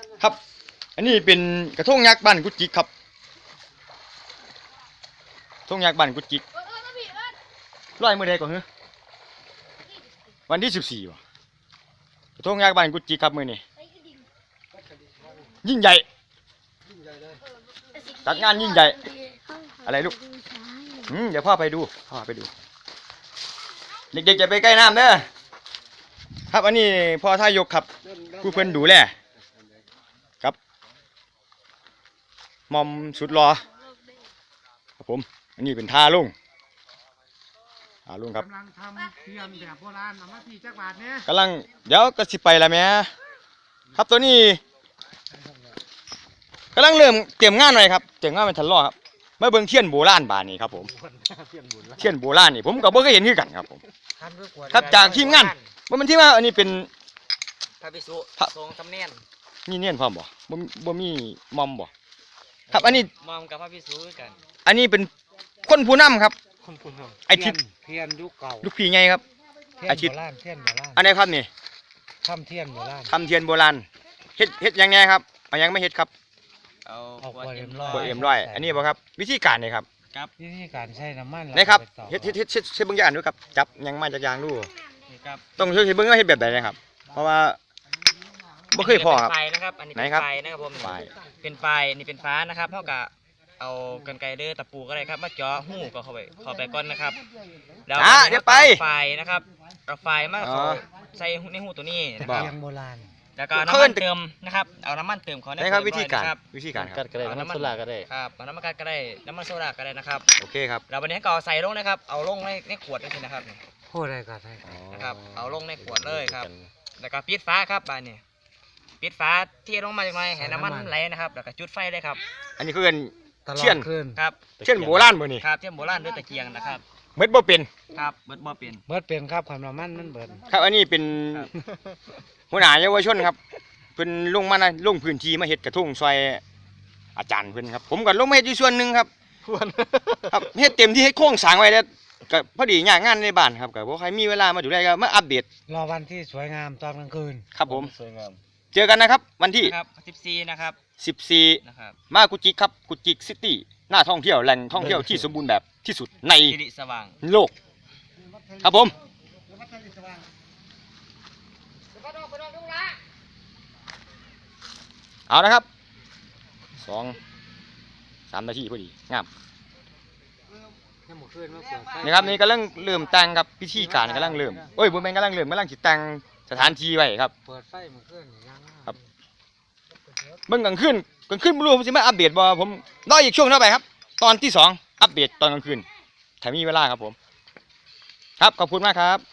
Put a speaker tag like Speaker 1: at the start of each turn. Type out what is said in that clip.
Speaker 1: ครับอันนี้เป็นกระทงยักษ์บ้านกุจิกครับกระทงยักษ์บ้านกุจิกร้อยมื้อใดก่อนเหรอวันที่14ว่ะกระทงยักษ์บ้านกุจิกครับมื้อนี้ยิ่งใหญ่จัดงานยิ่งใหญ่อะไรลูกเดี๋ยวพ่อไปดูเด็กๆจะไปใกล้น้ำเด้อครับอันนี้พ่อท่ายกครับผู้เพิ่นดูแลครับมอมสุดรอครับผมอันนี้เป็นท่าลุงครับ
Speaker 2: กำลังทำเทียมแบบโบราณเอามาที่จักรบาทเนี่ย
Speaker 1: กำลังเดี๋ยวก็สิไปละแม่ครับตัวนี้กำลังเริ่มเตรียมงานหน่อยครับเตรียมงานเป็นทันล้อครับมาเบิ่งเทียนโบราณบานนี้ครับผมเทียนโบราณนี่ผมก็บ่เคยเห็นคือกันครับผมครับจากทีมงานว่ามันที่ว่าอันนี้เป็น
Speaker 3: พระภิกษุทรงสำเนียน
Speaker 1: มีเนียนพร้อมบ่มีมอมบ่ครับอันนี้
Speaker 3: มอมกับพระภิกษุด้วยกัน
Speaker 1: อันนี้เป็นคนผู้นำครับไอทิศ
Speaker 2: เทียนยุคเก่า
Speaker 1: ลูกพี่ไงครับ
Speaker 2: ไอทิศเทียนโบราณ
Speaker 1: อันนี้ครับนี่
Speaker 2: ทำเทียนโบราณ
Speaker 1: เฮ็ดยังไงครับเอายังไม่เฮ็ดครับ
Speaker 3: เอา
Speaker 1: ขวดเอ็มร้อยอันนี้บ่ครับวิธีการนี่ครับ
Speaker 2: วิธีการใช้น้ำมัน
Speaker 1: นะครับเฮ็ดเบิ่งอย่างดูครับจับยังมาจากยางดูต้องช่วยเบิ่งว่าเฮ็ดแบบใดนะครับเพราะว่าบ่เคยพอครับ
Speaker 3: ไฟนะครับอันนี้เป็นไฟนะครับผมเป็นไฟนี่เป็นฟ้านะครับเท่ากับเอากรรไกรเด้อตะปูก็ได้ครับมาเจาะหูก็เข้าไปก้อนนะครับ
Speaker 1: แล้วเดี๋ยวไป
Speaker 3: ไฟนะครับเอาไฟมาใส่ในหูตัวนี้
Speaker 2: นะครับยังโบราณ
Speaker 3: แล้วก็น้ำมันเติมนะครับเอาน้ำมันเติมเขา
Speaker 1: ได้ครับวิธีการ
Speaker 2: กัดก็ได้น้ำมันโซดาก็ได้
Speaker 3: ครับเอาน้ำมันกัดก็ได้น้ำมันโซดาก็ได้นะครับ
Speaker 1: โอเคครับ
Speaker 3: แล้ววันนี้ก็เอาใส่ลงนะครับเอาลงในขวดนี่นะครับ
Speaker 2: โอ้ได้ก็ได้
Speaker 3: นะครับเอาลงในขวดเลยครับแล้วก็ปิดฟ้าครับบานนี้ปิดฟ้าเทลงมาจากไหนให้น้ำมันไหลนะครับแล้วก็จุดไฟเลยครับ
Speaker 1: อันนี้คือเทียน
Speaker 3: ครับ
Speaker 1: เทียนโบราณบ่นี่
Speaker 3: ครับเทียนโบราณด้วยตะเกียงนะครับ
Speaker 1: เม็ดบ่เป็น
Speaker 3: ครับเม็ดบ่เป็น
Speaker 2: ครับความน้ำมันมันเบิด
Speaker 1: ครับอันนี้เป็นหัวหน้าเยาวชนครับเพิ่นลงพื้นที่มาเฮ็ดกระทงซอยอาจารย์เพิ่นครับผมก็ลงมาเฮ็ดอยู่ส่วนหนึ่งครับครับเฮ็ดเต็มที่เฮ็ดโครงสร้างไว้แล้วก็พอดีงานในบ้านครับก็บ่ใครมีเวลามาดูแลก็มาอัปเดต
Speaker 2: รอวันที่สวยงามตอนกลางคืน
Speaker 1: ครับผมสวยงามเจอกันนะครับวันที่
Speaker 3: 14นะครับ
Speaker 1: 14นะครับมากุจิกครับกุจิกซิตี้หน้าท่องเที่ยวแหล่งท่องเที่ยวที่สมบูรณ์แบบที่สุดในโลกครับผมเอานะครับ2-3 นาทีพอดีงามนี่ครับนี่กำลังเริ่มแต่งครับพิธีการกำลังเริ่มบ่แม่นกำลังสิแต่งสถานที่ไว้ครับ
Speaker 2: เปิดไฟมื้อคืน
Speaker 1: ครับเบิ่งกลางคืนบ่รู้ผมสิมาอัปเดตบ่ผมรออีกช่วงเท่าไปครับตอนที่2อัปเดตตอนกลางคืนถ้ามีเวลาครับผมครับขอบคุณมากครับ